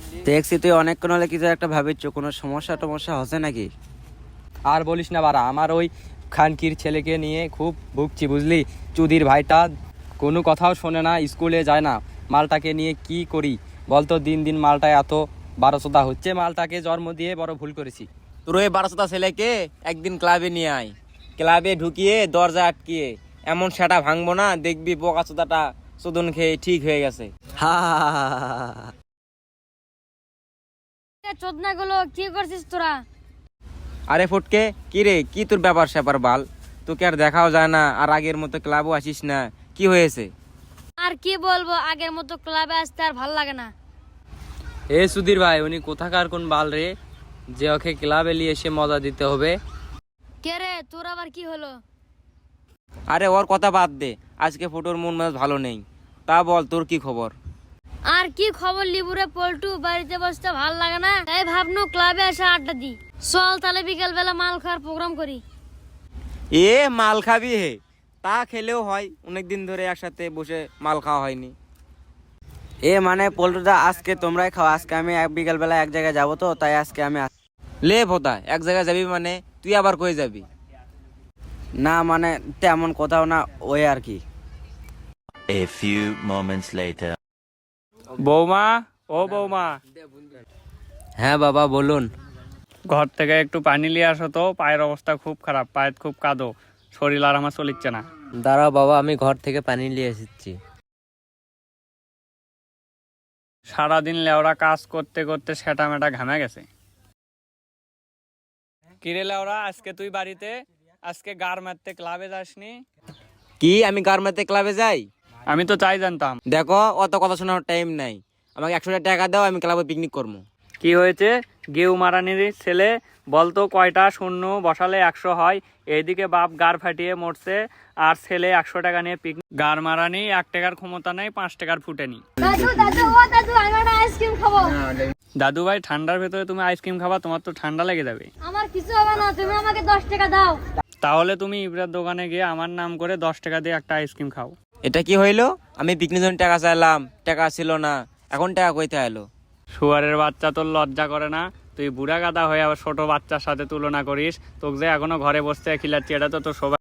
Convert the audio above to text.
দেখছি তুই অনেকক্ষণ হলে কিছু একটা ভাবিচ্ছ, কোনো সমস্যা টমস্যা হচ্ছে নাকি? আর বলিস না বাড়া, আমার ওই খানকির ছেলেকে নিয়ে খুব ভুগছি বুঝলি। চুদির ভাইটা কোনো কথাও শোনে না, স্কুলে যায় না। মালটাকে নিয়ে কি করি বলতো? দিন দিন মালটা এত বারোচোদা হচ্ছে, মালটাকে জন্ম দিয়ে বড় ভুল করেছি। তোর ওই 12টা ছেলেকে একদিন ক্লাবে নিয়ে আয়, ক্লাবে ঢুকিয়ে দরজা আটকিয়ে এমন সেটা ভাঙবো না, দেখবি বোকা চোদাটা চোদন খেয়ে ঠিক হয়ে গেছে। হা চোদনা গুলো কি করছিস তোরা? আরে ফটকে, কি রে, কি তোর ব্যাপার স্যাপার বাল? তোকে আর দেখাও যায় না, আর আগের মতো ক্লাবও আসিস না, কি হয়েছে? আর কি বলবো, আগের মতো ক্লাবে আসতে আর ভাল লাগে না। এ সুধীর ভাই, উনি কোথাকার কোন বাল রে যে ওকে ক্লাবে নিয়ে এসে মজা দিতে হবে? কে রে, তোর আবার কি হলো? আরে ওর কথা বাদ দে, আজকে ফটোর মন মেজাজ ভালো নেই। তা বল, তোর কি খবর? আর কি খবর লিবুরে পল্টু, বাড়িতে বসতে ভাল লাগে না, তাই ভাবনু ক্লাবে এসে আড্ডা দি। চল তাহলে বিকেল বেলা মাল খাওয়ার প্রোগ্রাম করি। এ মাল খাবি হে? তা খেলেও হয়, অনেকদিন ধরে একসাথে বসে মাল খাওয়া হয়নি। এ মানে পল্টুদা, আজকে তোমরাই খাও, আজকে আমি বিকাল বেলা এক জায়গায় যাবো, তো তাই আজকে আমি লে ভোদা, এক জায়গায় যাবি মানে তুই আবার কই যাবি? না মানে তেমন কোথাও না, ওই আর কি। A few moments later. বৌমা, ও বৌমা, হ্যাঁ বাবা বলুন। ঘর থেকে একটু পানি নিয়ে আসো তো, পায়ের অবস্থা খুব খারাপ, পায়ের খুব কাদো, শরীর আর আমার চলিচ্ছে না। দাঁড়াও বাবা, আমি ঘর থেকে পানি নিয়ে এসেছি। সারাদিন লেওরা কাজ করতে করতে সেটা মেটা ঘামে গেছে। কিরে লেওরা, আজকে তুই বাড়িতে, আজকে গার মারতে ক্লাবে যাসনি? কি আমি গার্মেন্টে ক্লাবে যাই? আমি তো চাই জানতাম। দেখো, অত কথা শোনার টাইম নাই, আমাকে 100 টাকা দাও, আমি ক্লাবে পিকনিক করবো। কি হয়েছে? গেউ মারানির ছেলে, বলতো কয়টা শূন্য বসালে 100 হয়? এইদিকে বাপ গার ফাটিয়ে মরছে, আর ছেলে 100 টাকা নিয়ে পিকনিক। গার মারানি 1 টাকার ক্ষমতা নেই, 5 টাকার ফুটেনি। দাদু দাদু, ও দাদু, আমি একটা আইসক্রিম খাবো। দাদু ভাই, ঠান্ডার ভেতরে তুমি আইসক্রিম খাবা? তোমার তো ঠান্ডা লেগে যাবে। আমার কিছু হবে না, তুমি আমাকে 10 টাকা দাও। তাহলে তুমি ইবরার দোকানে গিয়ে আমার নাম করে 10 টাকা দিয়ে একটা আইসক্রিম খাও। এটা কি হইলো? আমি পিকনিক জন্য টাকা চাইলাম, টাকা ছিল না, এখন টাকা কইতে এলো? শুয়ারের বাচ্চা, তোর লজ্জা করে না? তুই বুড়া গাদা হয়ে আবার ছোট বাচ্চার সাথে তুলনা করিস? তোকে যে এখনো ঘরে বসতে খিলাচ্ছি, এটা তো তোর সবাই